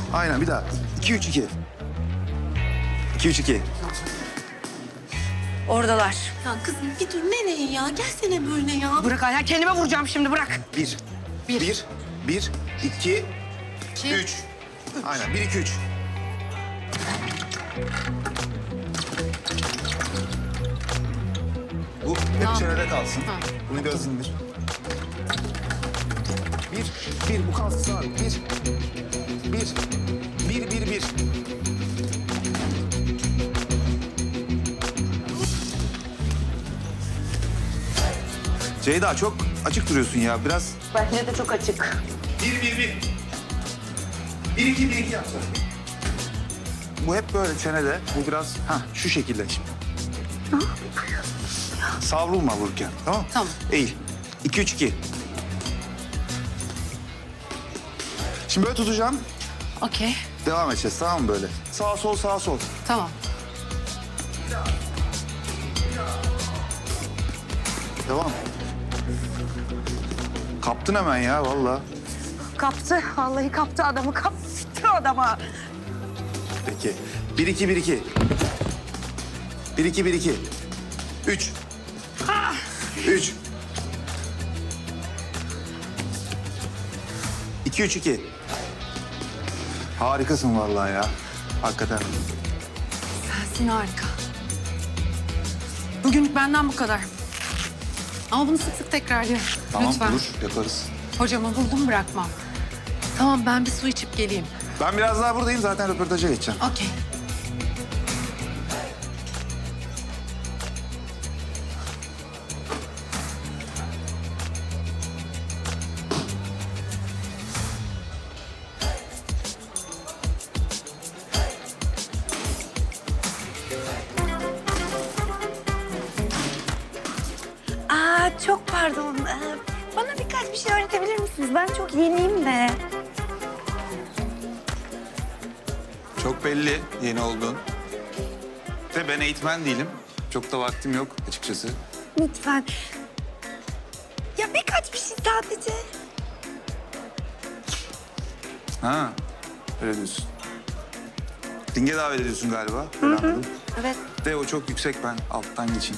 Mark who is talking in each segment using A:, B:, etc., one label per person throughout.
A: Aynen bir daha. 2-3-2. 2-3-2.
B: Oradalar.
C: Ya kızım bir dur nereye ya? Gelsene böyle ya.
B: Bırak Ayhan, kendime vuracağım şimdi, bırak.
A: 1. 1, 2, 3. Aynen 1, 2, 3. Bu hep çenede kalsın. Bunu biraz indir. 1, bu kalsın abi. 1. Ceyda çok açık duruyorsun ya. Biraz
B: Bence de çok açık.
A: 1-2 yapsana. Bu hep böyle çenede. Bu biraz şu şekilde şimdi. Savrulma vururken. Tamam mı?
B: Tamam.
A: Eğil. 2-3-2. Şimdi böyle tutacağım.
B: Okey,
A: Devam edeceğiz tamam mı böyle? Sağ sol sağ sol.
B: tamam.
A: Devam. Kaptın hemen ya vallahi.
B: Kaptı, vallahi kaptı adamı, kaptı adamı.
A: Peki. 1-2. 1-2. 3. 3. 2-3-2. Harikasın vallahi ya. Hakikaten.
B: Sensin harika. Bugünlük benden bu kadar. Ama bunu sık sık tekrarlayalım.
A: Tamam
B: Lütfen.
A: olur yaparız.
B: Hocamı buldum, bırakmam. Tamam, ben bir su içip geleyim.
A: Ben biraz daha buradayım zaten röportaja geçeceğim.
B: Okey.
D: Çok pardon. Bana birkaç bir şey öğretebilir misiniz? Ben çok yeniyim de.
A: Çok belli yeni olduğun. De ben eğitmen değilim. Çok da vaktim yok açıkçası.
D: Lütfen. Ya birkaç bir şey sadece.
A: Ha, öyle diyorsun. Ringe davet ediyorsun galiba. Öyle anladım.
D: Evet.
A: De o çok yüksek ben alttan geçeyim.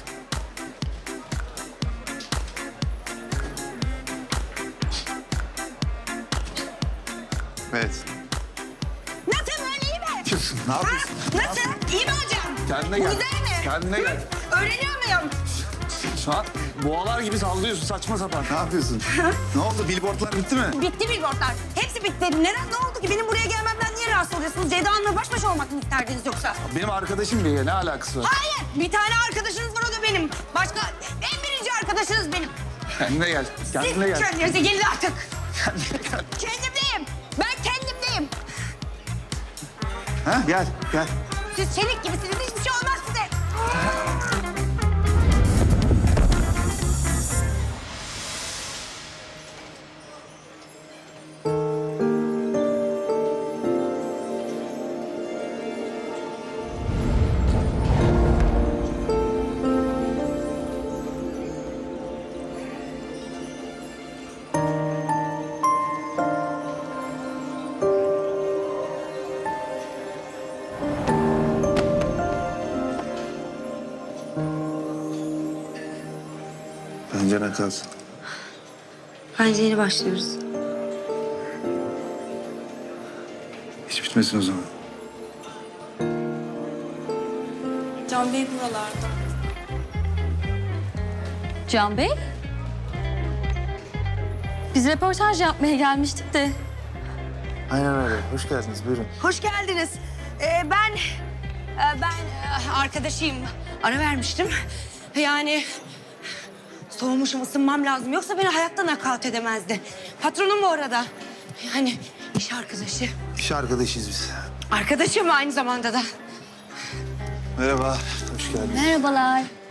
A: Evet.
D: Nasıl böyle iyi mi?
A: Yapıyorsun, ne yapıyorsun?
D: Nasıl? İyi mi hocam?
A: Kendine
D: Bu
A: gel.
D: güzel mi?
A: Kendine gel.
D: Öğreniyor muyum?
A: Şu an boğalar gibi sallıyorsun saçma sapan. Ne yapıyorsun? Ne oldu? Billboardlar bitti mi?
D: Bitti billboardlar. Hepsi bitti. Neden? Ne oldu ki? Benim buraya gelmemden niye rahatsız oluyorsunuz? Ceyda Hanım'la baş başa olmak mı isterdiniz yoksa?
A: Benim arkadaşım diye ne alakası var?
D: Hayır. Bir tane arkadaşınız var, o da benim. Başka en birinci arkadaşınız benim.
A: Kendine gel. Kendine
D: Siz
A: gel.
D: kendinize gelin artık.
A: Kendine gel.
D: Kendimdeyim. Ben kendimdeyim.
A: Ha, gel.
D: Siz çelik gibisiniz. Hiçbir şey olmaz size.
A: Bence ne kalsın.
D: Bence yeni başlıyoruz.
A: Hiç bitmesin o zaman.
C: Can Bey buralarda.
E: Can Bey? Biz röportaj yapmaya gelmiştik de.
A: Aynen öyle. Hoş geldiniz. Buyurun.
D: Hoş geldiniz. Ben arkadaşıyım. Ara vermiştim. Yani soğumuşum, ısınmam lazım. Yoksa beni hayatta nakavt edemezdi. Patronum bu arada. Yani iş arkadaşı.
A: İş arkadaşıyız biz.
D: Arkadaşım aynı zamanda da.
A: Merhaba. Hoş geldiniz.
E: Merhabalar.